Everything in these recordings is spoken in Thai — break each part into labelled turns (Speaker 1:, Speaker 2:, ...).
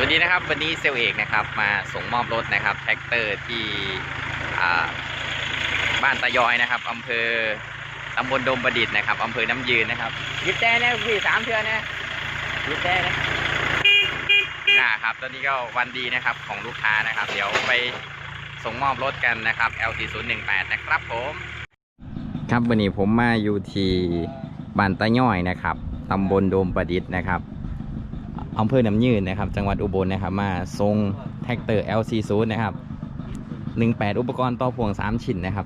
Speaker 1: วัสดีนะครับวันนี้เซลเอกนะครับมาส่งมอบรถนะครับแท็กเตอร์ที่บ้านตะยอยนะครับอำเภอตำบลดมประดิษฐ์นะครับอำเภอน้ำยืนนะครับยิบแต่นะพี่3 เทื่อนะยิบแต่นะครับตอนนี้ก็วันดีนะครับของลูกค้านะครับเดี๋ยวไปส่งมอบรถกันนะครับ LT018 นะครับผมครับวันนี้ผมมาอยู่ที่บ้านตะยอยนะครับตำบลโดมประดิษฐ์นะครับอำเภอน้ำยืนนะครับจังหวัดอุบลนะครับมาส่งแท็กเตอร์ LC0 นะครับ18อุปกรณ์ต่อพ่วง3 ชิ้นนะครับ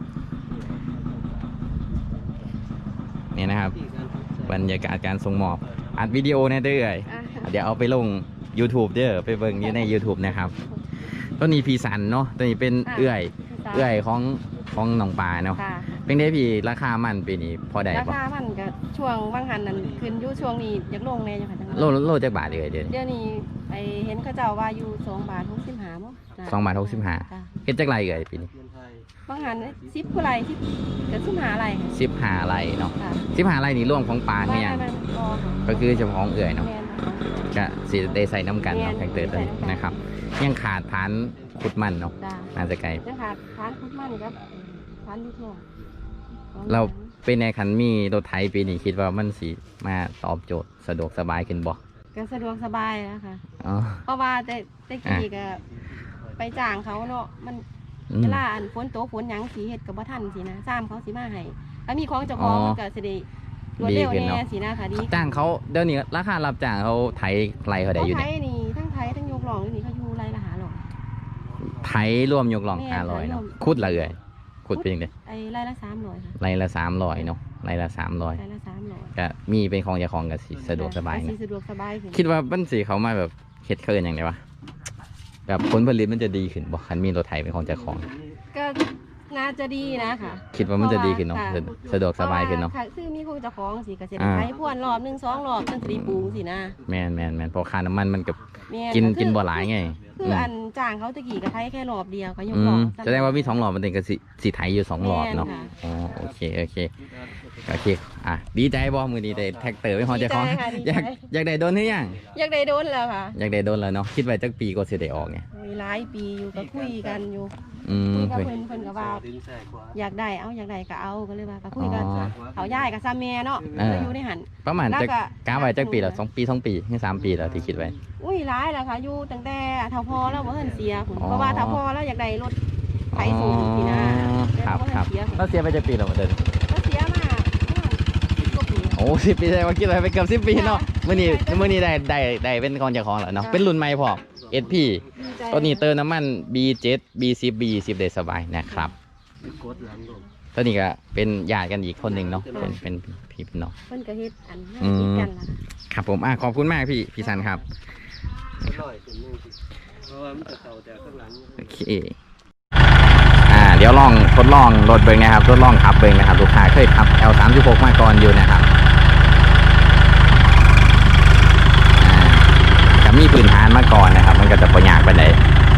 Speaker 1: นี่นะครับบรรยากาศการส่งมอบอัดวิดีโอนะเด้อเดี๋ยวเอาไปลง YouTube เด้อไปเบิ่งอยู่ใน YouTube นะครับต้นนี้พีสันเนาะต้นนี้เป็นเอื้อยของหนองปลาเนาะเป็นได้พี่ราคามันปีนี้พอได้ปะ
Speaker 2: ราคามันก็ช่วงบางหันนั่นขึ้นอยู่ช่วงนี้อยากลงแน่จังค่ะ
Speaker 1: โลจักบาทเลยเดี๋ยว
Speaker 2: นี้ไปเห็นเขาเจ้าว่าอยู่2 บาท 65มั้ง
Speaker 1: 2 บาท 65เฮ็ดจักไรปีนี้
Speaker 2: บางหัน10ผู้ไร10กับ15ไร
Speaker 1: 15ไรเนาะ15ไรนี่รวมของปลาเนี่ยยังก็คือเฉพาะของเอื้อยเนาะก็สิได้ใส่น้ำกันเนาะแท็กเตอร์ตัวนี้นะครับยังขาดฐานขุดมันเนาะน่าจะไกล
Speaker 2: ยังขาดฐานขุดมันครับฐานลูกโล
Speaker 1: เราเป็นในคันมีรถไถปีนี้คิดว่ามันสิมาตอบโจทย์สะดวกสบายขึ้นบ่
Speaker 2: ก็สะดวกสบายนะคะเพราะว่าแต่กี้ก็ไปจ้างเขาเนาะมันเวลาอันฝนตกฝนหยังสีเฮ็ดกับบ่ทันสินะซ้ำเขาสิมาให้ถ้ามีของเจ้าของมันก็สิได้รวดเร็วแน่สินะค่ะดี
Speaker 1: จ้างเขาเดี๋ยวนี้ราคารับจ้างเขาไถไรเขาได้อยู่
Speaker 2: เนี่ยไถนี่ทั้งไถทั้งยกหล่องนี่เขาอยู่ไรละ500
Speaker 1: ไถรวมยกหล่อง500เนาะคุดละเอ่ยขุดเป็นยังไง
Speaker 2: ไรละ300ค่ะ
Speaker 1: ไรละ300เนาะไรละ300ก็มีเป็นของเจ้าของกับสะดวกสบายนะ
Speaker 2: สะดวกสบาย
Speaker 1: คิดว่าบ้านสีเขามาแบบเฮ็ดเคินอย่างไรวะแบบผลผลิตมันจะดีขึ้นบ่คันมีรถไถเป็นของเจ้าของ
Speaker 2: ก็น่าจะดีนะค่ะ
Speaker 1: คิดว่ามันจะดีขึ้นเนาะสะดวกสบายขึ้นเนาะ
Speaker 2: ซื้อมีของเจ้าของสิก็สิไถพ่วนรอบ1 2 รอบจังสิปลูกสินะ
Speaker 1: แม่นเพราะค่าน้ำมันมันกับกินบ่หลายไง
Speaker 2: คืออันจ้างเขาตะกี้ก็ไถแค่รอบเดียวก็ยกหลอ
Speaker 1: แสดงว่ามี2 รอบมันเป็นก็สิไถอยู่2 รอบเนาะอ๋อโอเคดีใจบ่มื้อนี้ได้แท็กเตอร์เป็นของเจ้าของอยากได้โดนหรือยัง
Speaker 2: อยากได้โดนแล้วค่ะ
Speaker 1: อยากได้โดนแล้วเนาะคิดไว้จักปีก็สิได้ออกไง
Speaker 2: มีหลายปีอยู่ก็คุยกันอยู่คุยกับเพิ่นก็ว่าอยากได้ก็เอาก็เลยว่าก็คุยกันเขาย้ายกับซาแม่เนาะอยู่ในหัน
Speaker 1: ประมาณจักกะไว้จักปีแล้ว2 ปี 2 ปีถึง3 ปีแล้วที่คิดไว้
Speaker 2: อุ้ยหลายแล้วค่ะอยู่ตั้งแต่เฒ่าพอแล้วบ่เฮิ่นเสียเพราะว่าเฒ่าพอแล้วอยากได้รถไถสูงสินะครับ
Speaker 1: แล้วเสียไปจักปีแล้วเดิน
Speaker 2: เสียมา
Speaker 1: โอ้10 ปีได้ว่าคิดไว้ไปเกือบ10 ปีเนาะมื้อนี้ได้เป็นของเจ้าของแล้วเนาะเป็นรุ่นใหม่พอ SP ตัวนี้เติมน้ำมัน B7 B10 B20 ได้สบายนะครับตัวนี้ก็เป็นญาติกันอีกคนหนึ่งเนาะเป็นพี่เป็นน้อง
Speaker 2: เพิ่นก็เฮ็ดอันนี้กันล่ะ
Speaker 1: ครับผมขอบคุณมากพี่สันครับโอเคเดี๋ยวทดลองรถเบิ้งนะครับทดลองขับเบิ้งนะครับลูกค้าเคยขับ L36 มาก่อนอยู่นะครับจะมีพื้นฐานมาก่อนนะครับมันก็จะประหยัดไปเลย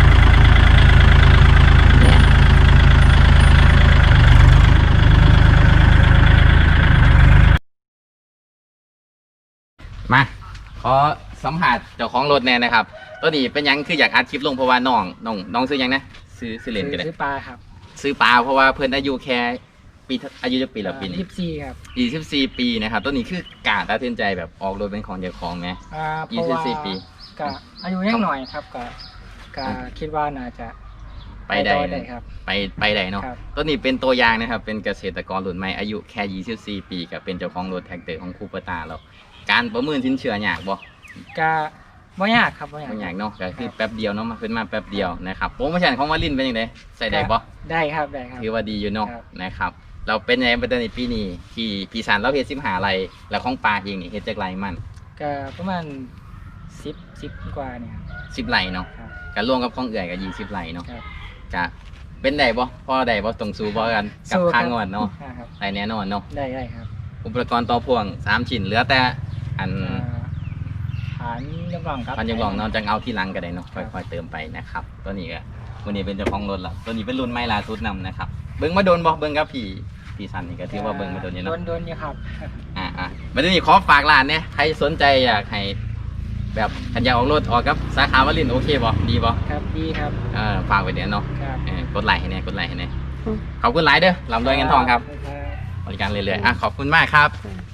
Speaker 1: มาขอสัมผัสเจ้าของรถแน่นะครับตัวนี้เป็นยังคืออยากอัดคลิปลงเพราะว่าน้องซื้อยังนะซื้อเลนกันเลย
Speaker 3: ซื้อปลาครับ
Speaker 1: ซื้อปลาเพราะว่าเพื่อนอายุแค่ปีอายุจะปีละปีนี้
Speaker 3: 24ครับ
Speaker 1: 24 ปีนะครับตัวนี้คือกาตัดสินใจแบบออกรถเป็นของเจ้าของไหม24 ปี
Speaker 3: ก็อายุยังหน่อยครับก็คิดว่าน่าจะ
Speaker 1: ไปได้ครับไปได้เนาะตัวนี้เป็นตัวอย่างนะครับเป็นเกษตรกรรุ่นใหม่อายุแค่24 ปีกับเป็นเจ้าของรถแท็กเตอร์ของคูเปอร์ตาเราการประเมินสินเชื่อยากบ่
Speaker 3: ก็บ่ยากครับบ่
Speaker 1: ยากเนาะก็คือแป๊บเดียวเนาะมาขึ้นมาแป๊บเดียวนะครับโปรโมชั่นของวาลินเป็นยังไงใส่ได้บ่
Speaker 3: ได้ครับ
Speaker 1: ถือว่าดีอยู่เนาะนะครับเราเป็นยังไงในปีนี้ที่ปีสันเราเฮ็ด15 ไร่แล้วของปลาเองนี่เฮ็ดจักไร่มัน
Speaker 3: ก็ประมาณ10กว่าเนี่ย
Speaker 1: 10 ไร่เนาะก็รวมกับของเอื่อยก็20 ไร่เนาะก็เป็นได้บ่พอได้บ่ตรงสู้บ่กันกับค่างวดเนาะได้แน่นอนเนาะ
Speaker 3: ได้ครับ
Speaker 1: อุปกรณ์ต่อพ่วง3 ชิ้นเหลือแต่อัน
Speaker 3: ฐานยกหล่องครับ
Speaker 1: ฐานยกหล่องเนาะจังเอาที่หลังก็ได้เนาะค่อยๆเติมไปนะครับตัวนี้ก็วันนี้เป็นเจ้าของรถละตัวนี้เป็นรุ่นใหม่ล่าสุดนำนะครับเบิ้งมาโดนบอกเบิ้งกับพี่สันนี่ก็ถือว่าเบิ้งมาโดนอยู่เนาะ
Speaker 3: โดนอยู่ครับ
Speaker 1: มาดูนี่ขอฝากร้านเนี่ยใครสนใจอยากให้ไปแบบขันอยากออกรถออกกับสาขาวลินโอเคบ่ดีบ่
Speaker 3: ครับดีครับ
Speaker 1: ฝากไว้เดี๋ยวเนาะ
Speaker 3: ครับ
Speaker 1: กดไลค์ให้แน่กดไลค์ให้แน่ขอบคุณหลายเด้อลำรวยเงินทองครับบริการเรื่อยๆขอบคุณมากครับ
Speaker 2: ค่ะ